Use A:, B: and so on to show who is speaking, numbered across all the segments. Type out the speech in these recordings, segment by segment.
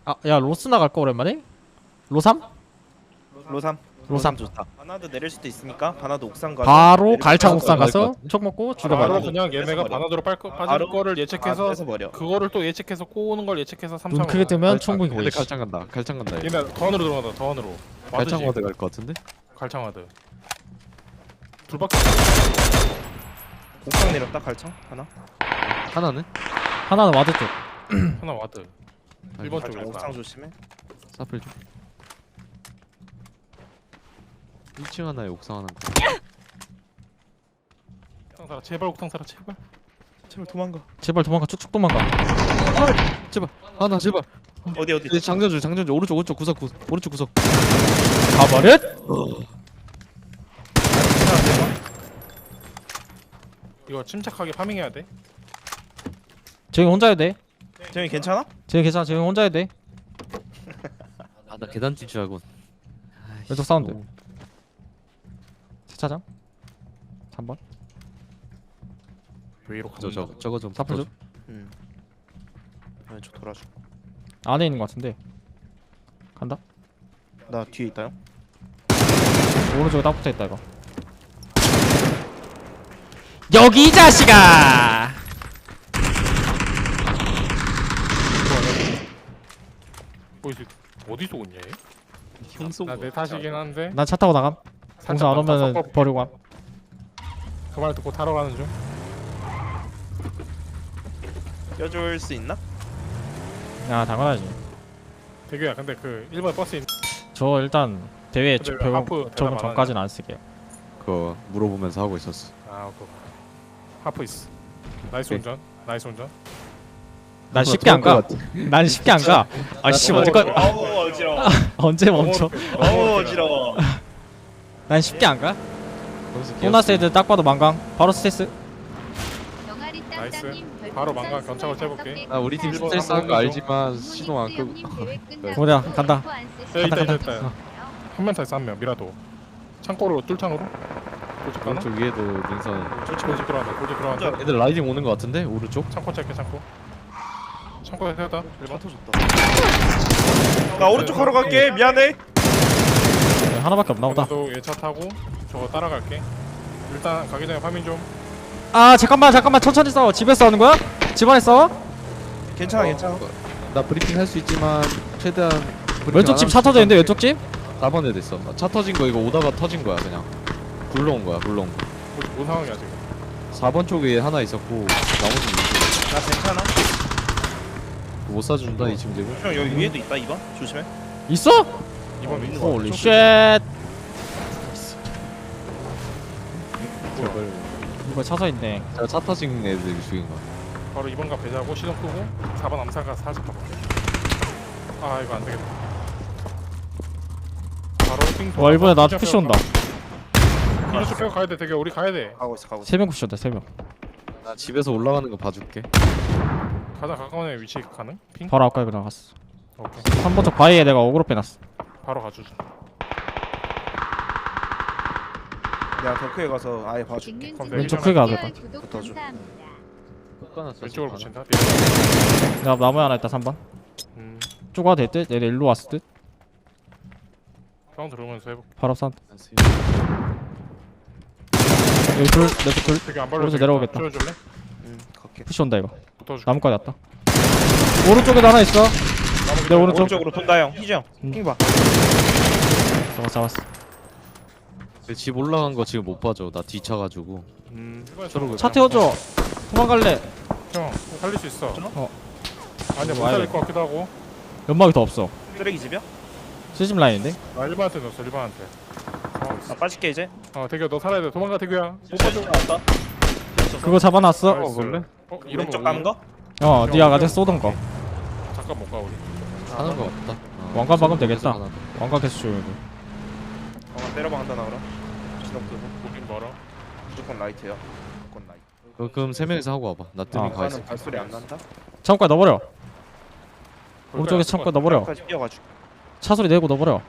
A: 아, 야 로스 나갈까 오랜만에? 로삼?
B: 로삼.
A: 로삼
B: 좋다. 바나드 내릴 수도 있으니까 바나드 옥상 가서
A: 바로
B: 내릴
A: 갈창
B: 수
A: 옥상
B: 있을 것
A: 가서
B: 같은데?
A: 총 먹고
C: 바로
A: 죽여버려.
C: 그냥 얘네가
B: 뺏어버려.
C: 바나드로 빠질
B: 바로
C: 거를 예측해서
B: 뺏어 버려.
C: 그거를 또 예측해서 꼬는 걸 예측해서
A: 눈
C: 3창으로
A: 크게 뜨면 충분히
D: 근데
A: 보이지.
D: 갈창 간다. 갈창 간다. 얘.
C: 얘네 더 안으로 들어간다. 더 안으로
D: 갈창
C: 와드지.
D: 와드 갈 것 같은데?
C: 갈창와드 둘밖에
B: 옥상 내렸다 갈창 하나.
D: 하나는?
A: 하나는 와드 쪽.
C: 하나 와드 1번
B: 갈창
C: 쪽에
B: 옥상
C: 있다.
B: 조심해.
D: 사플 좀. 1층 하나에 옥상 하나.
C: 옥상 살아 제발 옥상 살아 제발.
B: 제발 도망가.
A: 제발 도망가. 쭉쭉 도망가.
D: 제발. 하나 제발.
B: 어디.
D: 네, 장전주 오른쪽 구석 오른쪽 구석.
A: 가버릇.
C: 이거 침착하게 파밍해야 돼.
A: 쟤 혼자 해야 돼.
B: 재영이 괜찮아?
A: 쟤 괜찮아. 쟤 혼자 해야 돼.
D: 아 나 계단 뛸 줄 알고.
A: 왼쪽 사운드. 세차장 3번.
C: 위로 가자.
D: 저거 좀
A: 사플 좀.
B: 응. 왼쪽 돌아줘.
A: 안에 있는 것 같은데. 간다.
B: 나 뒤에 있다요.
A: 오른쪽에 딱 붙어있다 이거. 여기 이 자식아.
C: 어디서 오냐 얘?
D: 형송.
C: 나내 탓이긴 한데
A: 난 차 타고 나감. 공사 안 오면은
C: 섞어
A: 버리고 감.
C: 그 말 듣고 타러 가는 중.
B: 껴줄 수 있나?
A: 야 당연하지.
C: 대규야 근데 그 1번 버스 있는
A: 저 일단 대회
C: 근데 왜
A: 배우
C: 하프
A: 저
C: 대답 안
A: 전까지는 안 쓸게요.
D: 그거 물어보면서 하고 있었어.
C: 아 그거 하프 있어. 나이스
D: 오케이.
C: 운전. 나이스 운전.
A: 난 쉽게 안 가.
D: 것 같아.
A: 난 쉽게 안 가. 아씨
C: 너무
A: 언제까지
B: 어우 어지러워.
A: 언제 멈춰?
B: 어우 어지러워.
A: 난 쉽게 안 가.
D: 거기서
A: 보너스 애들 딱 봐도 망강. 바로 스트레스.
C: 나이스. 바로 망각 견착을 해볼게.
D: 아 우리 팀
C: 일본
D: 스트레스
C: 한번
D: 한거
C: 해줘.
D: 알지만 시동 안 끄고.
A: 뭐냐 간다.
C: 야 있다
A: 간다,
C: 있다 있다. 한명 타 있어 한 명. 미라도. 창고로 뚫창으로. 도직 가나?
D: 오른쪽 위에도 능선.
C: 도직 들어간다. 도직 들어간다.
D: 애들 라이딩 오는 거 같은데 오른쪽?
C: 창고 체크 창고. 창고에 세웠다. 1번.
B: 터졌다. 나 오른쪽 하러 갈게. 미안해.
A: 하나밖에 없나 보다.
C: 나도 얘차 타고 저거 따라갈게. 일단 가기 전에 파밍 좀.
A: 아 잠깐만 천천히 싸워. 집에서 싸우는 거야? 집안에 싸워?
B: 괜찮아.
D: 나 브리핑 할 수 있지만 최대한 브리핑
A: 왼쪽
D: 안
A: 집
D: 하면
A: 차 터져 있는데 왼쪽 집?
D: 4번에 됐어. 차 터진 거 이거 오다가 터진 거야 그냥. 굴러온 거야 굴러온 거.
C: 뭔 상황이야 지금?
D: 4번 쪽에 하나 있었고 나머지
B: 나 괜찮아.
D: 못 사준다 이 친구들.
B: 형 여기 위에도 있다 2번. 조심해.
A: 있어?
C: 이번 있는
A: 홀리
C: 거.
A: 쉣.
D: 제발.
A: 이거 차서 있네.
D: 제가 차 터진 애들 죽인 거야.
C: 바로 2번가 배자고 시동 끄고 4번 암살가 살짝 가볼게. 아 이거 안 되겠다. 바로 핑.
A: 와 이번에 나한테 푸시 온다.
C: 이쪽 빼고 가야 돼. 되게 우리 가야 돼.
B: 가고 있어.
A: 3명 푸시 온다 3명.
D: 나 집에서 올라가는 거 봐줄게.
C: 가장 가까운 애 위치 가능? 핑?
A: 바로 아까 그냥 갔어.
C: 오케이.
A: 3번 쪽 바위에 내가 어그로 빼놨어.
C: 바로 가주자.
B: 내가 덕후에 가서 아예 봐줄게.
A: 왼쪽 크게 가야 될
B: 붙어줘.
C: 왼쪽으로 붙인다.
A: 내가 나무에 하나 있다 3번.
C: 음.
A: 쭉 와도 될 듯? 얘네 일로 왔을 듯?
C: 사운드 들어오면서 해볼게.
A: 바로 사운드. 여기 둘, 내쪽 둘.
C: 되게 안 발로.
A: 오른쪽 내려오겠다.
C: 줄래?
B: 갈게.
A: 푸시 온다 이거.
C: 붙어줄게.
A: 나무까지 왔다. 오른쪽에도 하나 있어. 내 오른쪽.
B: 오른쪽으로 돈다 형. 희정. 핑 봐.
A: 잡았어.
D: 집 올라간 거 지금 못 봐줘. 나 뒤차가지고.
C: 저러고.
A: 차 태워줘. 도망갈래.
C: 형 살릴 수 있어.
A: 어.
C: 아니야 못
A: 와야
C: 살릴
A: 돼.
C: 것 같기도 하고.
A: 연막이 더 없어.
B: 쓰레기 집이야?
A: 시즘 라인인데?
C: 나 1번한테 넣었어 1번한테.
B: 나 빠질게 이제.
C: 대규야 너 살아야 돼. 도망가 대규야. 못 봐줘.
B: 왔다.
A: 그거 잡아놨어.
C: 나이스.
D: 볼래?
C: 이런
B: 왼쪽 가는 거?
A: 네가 가져 쏘던 거.
C: 잠깐 못 가 우리.
D: 하는 거 없다.
A: 왕관 박으면 되겠다.
D: 하나 더.
A: 왕관 계속 줘야 돼.
B: 때려봐 한다 나오라. 시동 끄고.
C: 보긴 멀어.
B: 무조건 라이트야. 무조건 라이트.
D: 그럼 3명이서 하고 와봐. 나 뜨면 가 있어.
B: 나는 발소리 안 난다.
A: 창고에 넣어버려. 오른쪽에 창고에 넣어버려.
B: 까지 뛰어가지고.
A: 차 소리 내고 넣어버려.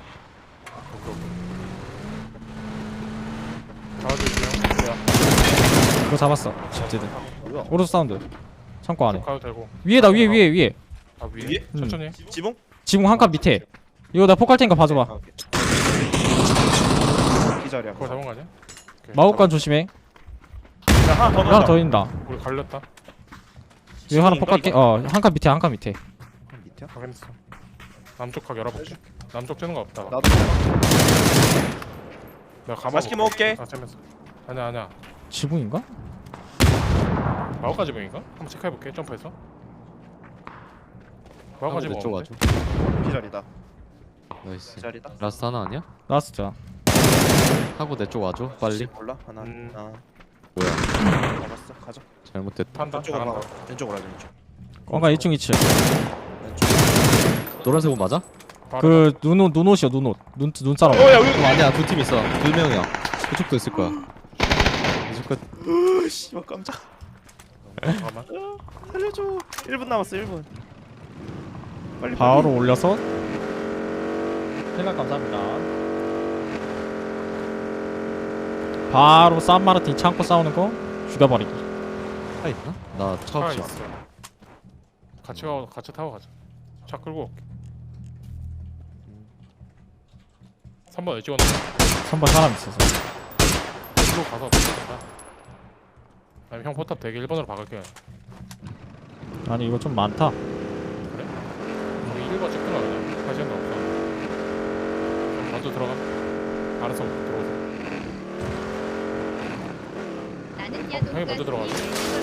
C: 잡아주세요.
A: 그거 잡았어. 집지들.
B: 뭐야?
A: 오른쪽 사운드. 창고 안에.
C: 가도 되고.
A: 위에다 위에.
C: 아 위에?
B: 위에?
A: 음.
C: 천천히.
B: 지붕?
A: 지붕 한 칸 밑에. 이거 나 폭할 테니까 봐줘봐.
B: 오케이. 기절이야.
C: 그거 잡은 거 아니야? 오케이,
A: 마법관 조심해.
B: 자, 하나 더
A: 하나
B: 넣자.
A: 더 있다.
C: 우리 갈렸다.
A: 여기 하나
B: 지붕인가,
A: 폭갈게.
B: 이거?
A: 한 칸 밑에 한 칸 밑에.
B: 밑이야?
C: 확인했어. 남쪽 각 열어볼게. 남쪽 쬐는 거 없다.
B: 나도
C: 내가 가만.
B: 맛있게 먹을게.
C: 아 재밌어. 아니야.
A: 지붕인가?
C: 마오까지 보인가? 한번 체크해볼게. 점프해서. 마오까지
D: 내쪽
C: 뭐
D: 와줘.
B: 기절이다.
D: 나이스.
B: 기절이다.
D: 라스트 하나 아니야?
A: 라스트야.
D: 하고 내 쪽 와줘. 빨리.
B: 몰라. 하나. 아,
D: 뭐야?
B: 잡았어. 가자.
D: 잘못됐다.
C: 판다.
B: 왼쪽으로
C: 잘한다.
B: 가. 왼쪽으로 가자. 왼쪽.
A: 꽝가 1층 2층.
B: 왼쪽.
D: 노란색 옷 맞아?
A: 그 눈옷이야 눈옷. 눈사람.
B: 야 여기.
D: 어, 아니야 두 팀 있어. 두 명이야. 그쪽도 있을 거야. 이쪽 끝.
B: 씨발 깜짝.
C: 잠깐만.
B: 살려줘. 1분 남았어. 1분. 빨리.
A: 바로 올려서. 생각 감사합니다. 바로 산마르틴 창고 싸우는 거 죽여버리기.
D: 차 있나? 나 차
C: 차
D: 없어.
C: 있어. 같이 타고 가자. 차 끌고 올게. 3번 왜 찍었는데?
A: 3번 사람 있어서.
C: 일로 가서 붙는다. 아니 형 포탑 되게 1번으로 박을게.
A: 아니 이거 좀 많다.
C: 그래? 우리 1번 찍든가 그냥. 할 시간도 없어. 그럼 먼저 들어가. 알아서 들어오세요. 형이 먼저 들어가자.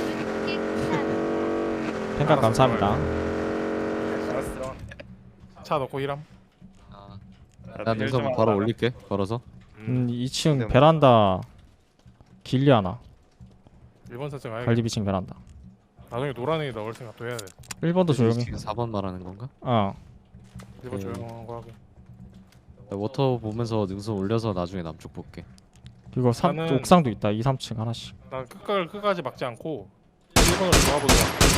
A: 생각
C: 알았어,
A: 감사합니다.
B: 알았어.
C: 차 넣고 일함.
D: 나 능선 바로 올릴게. 걸어서.
A: 2층 베란다 길리 하나.
C: 1번 설정 아예
A: 갈리비층 베란다.
C: 나중에 노란이 넣을 생각도 해야 돼.
A: 1번도 조용히.
D: 지금 4번 말하는 건가?
A: 어.
C: 1번 조용한 거 하게.
D: 나 워터 보면서 능선 올려서 나중에 남쪽 볼게.
A: 이거
C: 나는-
A: 옥상도 있다. 2, 3층 하나씩.
C: 난 끝까지 막지 않고 1번으로 들어가보자.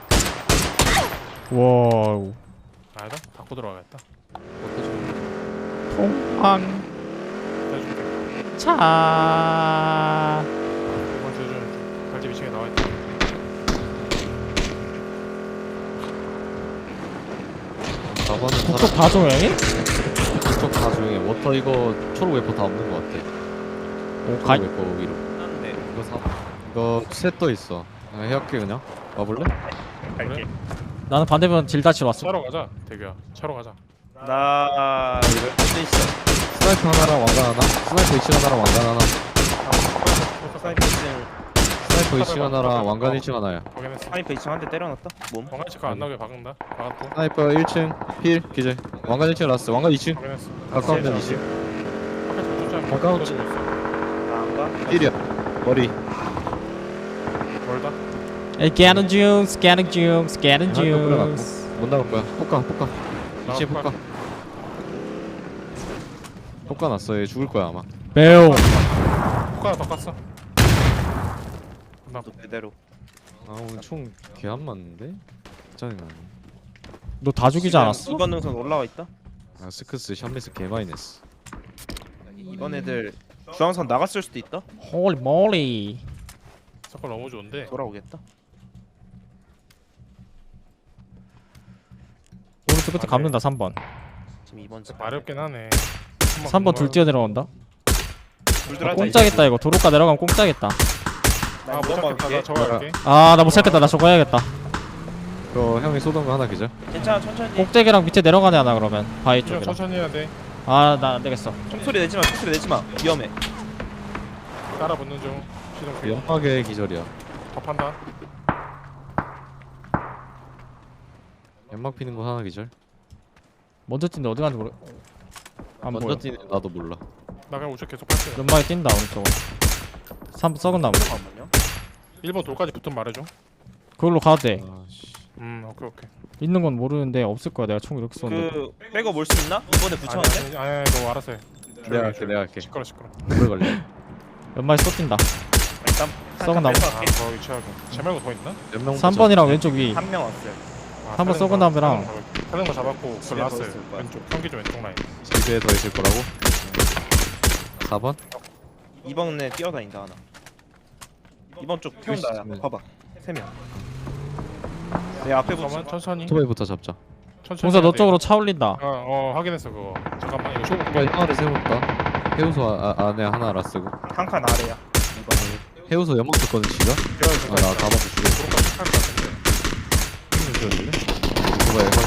A: 와우.
C: 아니다. 닫고 들어가겠다.
D: 워터 좀.
A: 통황
C: 해줄게.
A: 차.
C: 1번 조준. 갈집 2층에 나와있다.
D: 4번은
A: 북쪽 다 조용해?
D: 북쪽 다 조용해. 워터 이거 초록 웨퍼 다 없는 거 같아.
A: 오,
D: 초록
A: 가,
D: 웨퍼 위로.
B: 네.
D: 이거 이거 셋 떠 있어. 해할게 그냥. 와볼래?
B: 갈게.
A: 나는 반대편 딜다치러 왔어.
C: 차로 가자. 대규야. 차로 가자.
B: 나 이거 있어.
D: 스나이퍼 하나랑 왕관 하나. 스나이퍼 이층 하나랑 왕관 하나.
B: 스나이퍼 2층.
D: 스나이퍼 이층 하나랑 왕관 1층 하나야.
C: 확인했어.
B: 스나이퍼 2층 한 대 때려놨다. 몸.
C: 왕관 체크 안 나오게 박은다. 박았고.
D: 스나이퍼 1층 필 기절. 왕관 1층 라스트. 왕관 2층.
C: 확인했어.
D: 가까운 데는 2층.
C: 아까 저 쫓아.
D: 가까운
C: 있어.
B: 나안 가.
D: 필이야. 머리.
C: 멀다.
A: 스캐닝 중, 스캐닝 중, 스캐닝
D: 하나 더 뿌려놨고.
A: 중.
D: 못 나올 거야. 폭가. 2층 폭가. 폭가 났어. 얘 죽을 거야 아마.
A: 매우.
C: 효과가 더 깠어. 나
B: 또 그대로.
D: 아 오늘 총 개 안 맞는데? 짜증나네.
A: 너 다 죽이지 않았어?
B: 2번 능선 올라와 있다.
D: 아 스크스 샴미스 개 많이 냈어.
B: 이번 애들 중앙선 나갔을 수도 있다.
A: 홀리 몰리.
C: 서클 너무 좋은데.
B: 돌아오겠다.
A: 오른쪽 끝에 감는다 3번.
B: 지금 2번 집.
C: 마렵긴 하네.
A: 3번 둘 뛰어 내려온다.
B: 둘들
A: 아,
B: 하자,
A: 공짜겠다 이거. 도로가 내려가면 공짜겠다.
B: 나
C: 아못
B: 2번
C: 잡겠다. 나
B: 갈게.
C: 저거 할게.
A: 아 나 못 찾겠다. 나 저거 해야겠다.
D: 그거 형이 쏘던 거 하나 기절.
B: 괜찮아 천천히.
A: 꼭대기랑 밑에 내려가네 하나 그러면. 바위
C: 그냥
A: 쪽이랑.
C: 천천히 해야 돼.
A: 아 나 안 되겠어.
B: 총소리 내지 마. 총소리 내지 마. 위험해.
C: 따라 붙는 중. 시동 켜.
D: 연막의 기절이야.
C: 접한다.
D: 연막 피는 거 하나 기절.
A: 먼저 뛴데 어디 가는지 모르. 안
D: 먼저
A: 보여.
D: 뛰는 나도 몰라.
C: 나 그냥 우측 계속 할게.
A: 연막에 뛴다 오른쪽으로. 3 썩은 나무.
B: 잠깐만요.
C: 1번 돌까지 붙으면 말해줘.
A: 그걸로 가도 돼.
D: 아씨.
C: 오케이.
A: 있는 건 모르는데 없을 거야. 내가 총 이렇게 쏘는데.
B: 그 백업 올 수 있나? 이번에 붙였는데?
C: 아니 너 알아서 해.
D: 내가 할게.
C: 시끄러.
D: 오래 걸려.
A: 연막에 쏘 뛴다.
B: 일단
A: 썩은 나무.
C: 더 위치하고. 제 말고 더 있나?
D: 몇명
A: 3번이랑 왼쪽 위.
B: 한명 왔어요.
A: 한번 썩은 나무랑.
C: 타는 거 잡았고 그
B: 집에 더
C: 라스
B: 있을 거야.
C: 왼쪽 평기 좀 왼쪽 라인.
D: 집에 더 있을 거라고. 4번?
B: 2번에 뛰어다닌다 하나. 2번 쪽 태운다. 야.
D: 있으면-
B: 봐봐. 3명. 내 앞에 붙어.
C: 잠깐만 천천히.
D: 오토바이부터 잡자.
C: 천천히
A: 동사
C: 해야
A: 너
C: 돼.
A: 쪽으로 차 올린다.
C: 확인했어 그거. 잠깐만 이거 쇼
D: 이거 하나를 세울까? 해우소 안에 하나 라쓰고
B: 한 칸 아래야.
D: 해우소 연막 줬거든 지가? 나 가방도 주고
C: 도로까지 탈것 같은데.
D: 누가 얘가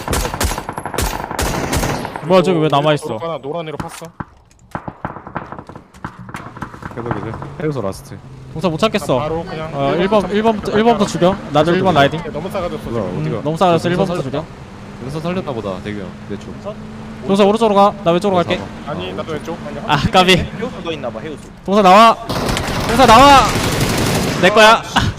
A: 뭐야 저기 왜 남아있어?
C: 도로가 노란으로 팠어.
D: 해우소 라스트
A: 동사 못 찾겠어.
C: 바로 그냥
A: 1번부터 죽여. 나도 1번 라이딩.
C: 너무 싸가졌어.
D: 뭐야,
C: 지금.
D: 어디가?
A: 너무 싸가졌어.
D: 동사
A: 1번부터
D: 살렸다.
A: 죽여.
D: 여기서 살렸나 보다 대규형 내쪽
A: 동사 오른쪽으로 가. 나 왼쪽으로 갈게.
C: 아니 나도 왼쪽.
A: 아 까비.
B: 해우소 너 있나봐 해우소.
A: 동사 나와. 동사 나와. 내 거야.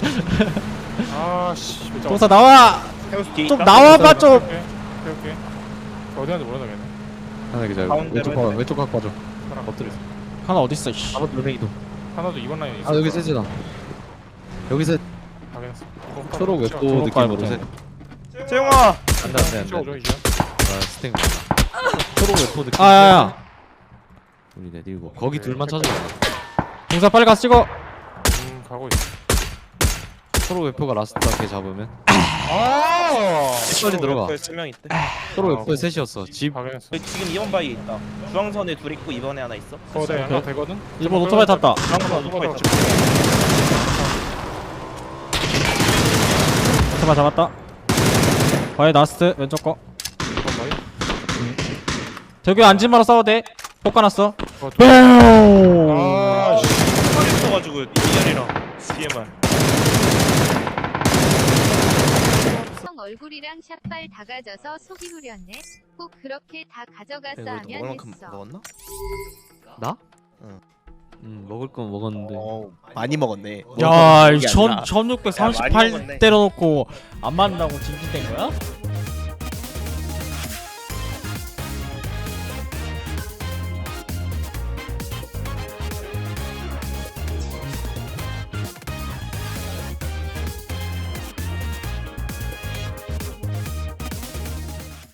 C: 아씨.
A: 동사 나와.
B: 해우소 뒤에
A: 좀
B: 있다.
A: 나와봐 좀.
C: 오케이. 어디 갔는지 모르다 걔네.
D: 하나 기자
B: 가운데로
D: 왼쪽 봐
B: 해야 돼.
D: 왼쪽 각 봐줘
C: 사람.
D: 엎드려
A: 하나 어디 있어? 씨.
D: 아무 눈에이도
C: 하나도 2번 라인에 있어.
D: 아 여기 세지다 여기 세
C: 확인했어.
D: 초록 웹도
A: 초록
D: 느낌으로
A: 깔
D: 세
B: 재용아.
D: 안돼
C: 찍어줘 이제.
D: 아 스탱 초록 웹도 느낌
A: 아야야.
D: 우리 내리고 거기 둘만 찾아봐
A: 동사 빨리 가서 찍어.
C: 가고 있어.
D: 초록 웹포가 라스트 걔 잡으면
C: 아.
D: 빨리 들어가
B: 3명 있대.
D: 초록 웹포에 셋이었어 집
C: 확인했어.
B: 지금 2번 바위에 있다. 중앙선에 둘 있고 2번에 하나 있어.
C: 네 하나 되거든.
A: 1번 오토바이 탔다.
B: 중앙선 오토바이 있다.
A: 오토바이 잡았다. 바이 나스트 왼쪽 거. 저기 앉지 마라 싸워도 돼. 볶아놨어.
C: 아.
B: 팔이 있어가지고 이현이랑 DMR.
E: 성 얼굴이랑 샷발 다 가져서 속이 후렸네. 꼭 그렇게 다 가져갔어 하면 했어.
B: 먹었나?
D: 나?
B: 응.
D: 먹을 건 먹었는데
B: 많이 먹었네.
A: 야,
B: 먹은 게 아니라.
A: 1638
B: 야, 많이 먹었네.
A: 때려놓고 안 맞는다고 징징댄 거야?